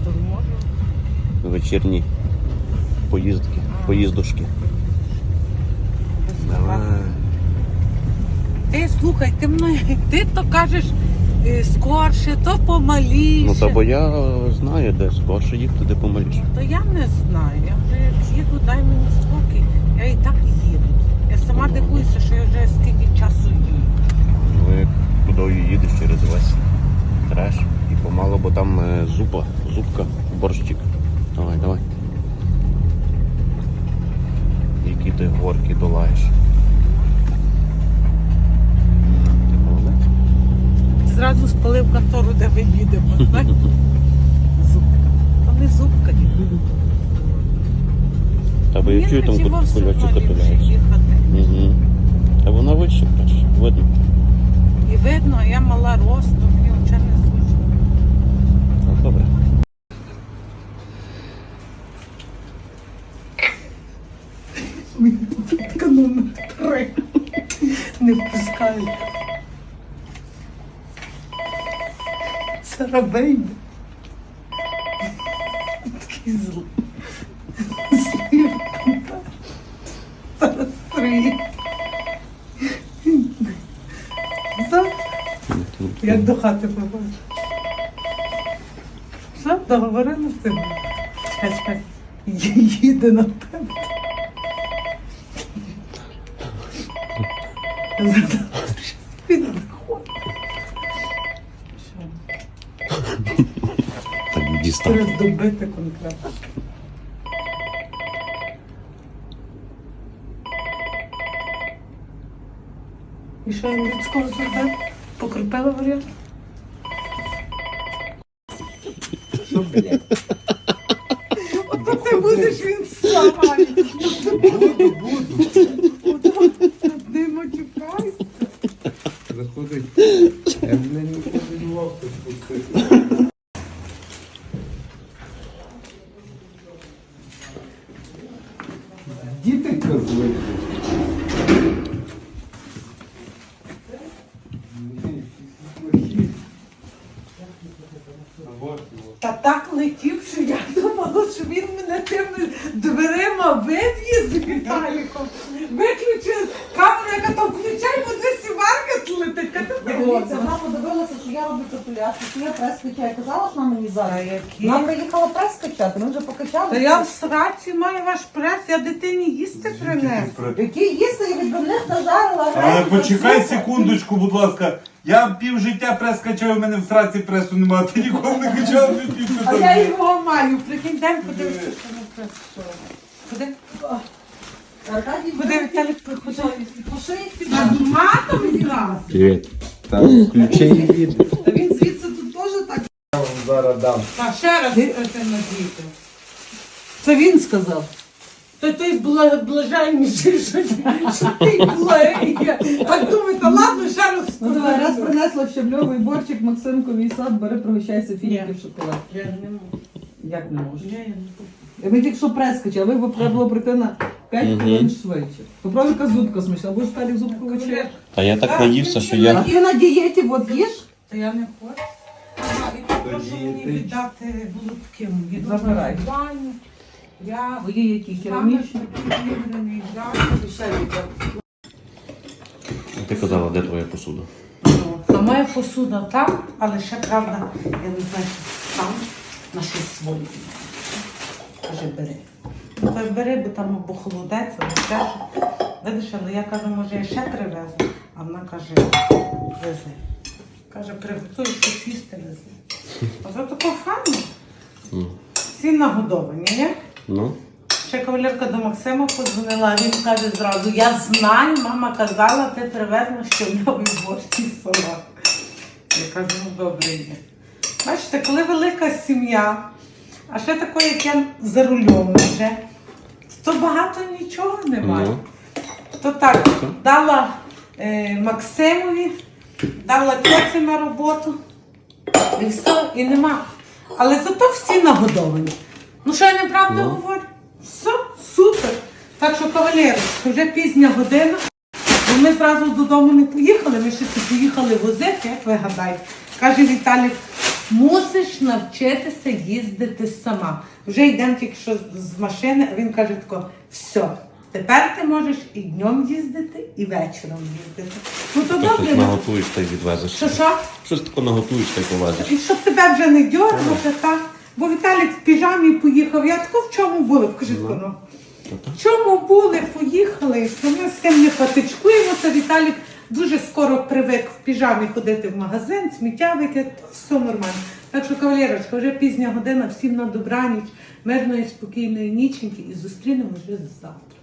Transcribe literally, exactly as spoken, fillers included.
то можу. Вечірні поїздки, А. поїздушки. Давай. Ти слухай, ти мною, ти то кажеш е, скорше, то помаліше. Ну та бо я знаю, де скорше їхати, де помаліше. То я не знаю. Я вже як їду, дай мені спокій. Я і так їду. Я сама Ну, дивуюся, що я вже скільки часу їду. Ну як туди їдеш через весь треш і помало, бо там е, зупа, зубка, борщик. Давай, давай. Які ти горки долаєш. Ти молодець. Зразу спалив контору, де ми їдемо. знаєш? Зубка. То не зубка. Та бо я чую там кульочок катуляється. їхати. Угу. Та вона вище, бачиш, видно. І видно, а я мала росту, мені взагалі не зручно. Ну, добре. Така номер три. Не впускають. Сарабейн. Такий злий. Злий контакт. Зараз три. Все? Як до хати побачиш. Все, договорили з тим? Чекай, чекай. Їде на тебе. Він виходить. Що? Так дістав. Треба добити конкретно. І що він людського зробив? Покріпила варіант? Що, блядь? Ото ти будеш він славати. Буду, буду. Не матюкайся. Заходить. Я, блядь, не подумав, що спустити. Діти козли. Та так летів, що я думала, що він мене тими дверима вив'є з Віталіком. Виключив камеру, яка там включай, бо десь сіварка летить. Дивіться, вона подивилася, що я роблю капуляцію, що я прес качаю. Казала, що вона мені Та зараз. які? Вона приїхала прес качати, ми вже покачали. Та я в сраці маю ваш прес, я дитині їсти принесу. Які їсти, я від них нажарила. Але гречку, почекай супу. секундочку, будь ласка. Я пів життя прес качав, у мене в сраці пресу немає, ти ніколи не качав, не пів А я його маю. Прикинь, дай подивися, що на прес. що. Куди? Аркадій, Куди Віталік приходить? пошить. Над матом зразу. Привіт. Так, включи і їде. Та він звідси тут теж так. Я вам зараз дам. Та ще раз це на діти. Це він сказав. То той бла- блаженніший, що що ти благий. Так думаю, та ладно, ще раз Ну давай, раз сказав. принесла щабльовий борчик, Максимковий сад, бери, пригощайся фіники Ні. в шоколад. Я не можу. Як не можеш? Я не можу. Ми тільки що прес качали, ви б треба було прийти на п'ять Мгм. хвилин швидше. Попробуй, яка зубка смачна, будеш далі зубку вечеряти. Та я так Так, наївся, що А я... ти на дієті, от їж? Та я не хочу. Ага, і попрошу мені Тоді ти- віддати голубки. Їду Забирай. в баню. Я Твої які саме керамічні. такий вибраний взяти. Ти казала, де твоя посуда? Та моя посуда там, але ще правда, я не знаю, що там на щось своє. Каже, бери. Ну, каже, бери, бо там або холодець, або ще що. Видиш, але я кажу, може, я ще привезу. А вона каже, вези. Каже, приготуй щось їсти, вези. А за такого фану Ну. всі нагодовані, ні? Ну? Ще кавалерка до Максима подзвонила, а він каже зразу, я знаю, мама казала, ти привезла щодновий борщ і салат. Я кажу, ну добре є. Бачите, коли велика сім'я, а ще таке, як я за рулем вже, то багато нічого немає. Ну. То так, дала е, Максимові, дала тьоці на роботу, і все, і нема. Але зато всі нагодовані. Ну що я неправду Ну. говорю? Все, супер. Так що, кавалери, вже пізня година. Бо ми зразу додому не поїхали, ми ще поїхали возити, як ви гадаєте. Каже Віталік, Мусиш навчитися їздити сама. Вже йдемо тільки що з машини, а він каже тако, все, тепер ти можеш і днем їздити, і вечором їздити. Ну то Ти добре. щось ну, наготуєш та й відвезеш. Що що? Щось таке наготуєш та й повезеш. І щоб тебе вже не дьоргати, так? Бо Віталік в піжамі поїхав. Я тако в чому були? Кажи тако, ну. В чому були, поїхали, і ми з тим не патичкуємося. Віталік дуже скоро привик в піжамі ходити в магазин, сміття викидати, все нормально. Так що, кавалерочка, вже пізня година, всім на добраніч, мирної, спокійної ніченьки і зустрінемось вже завтра.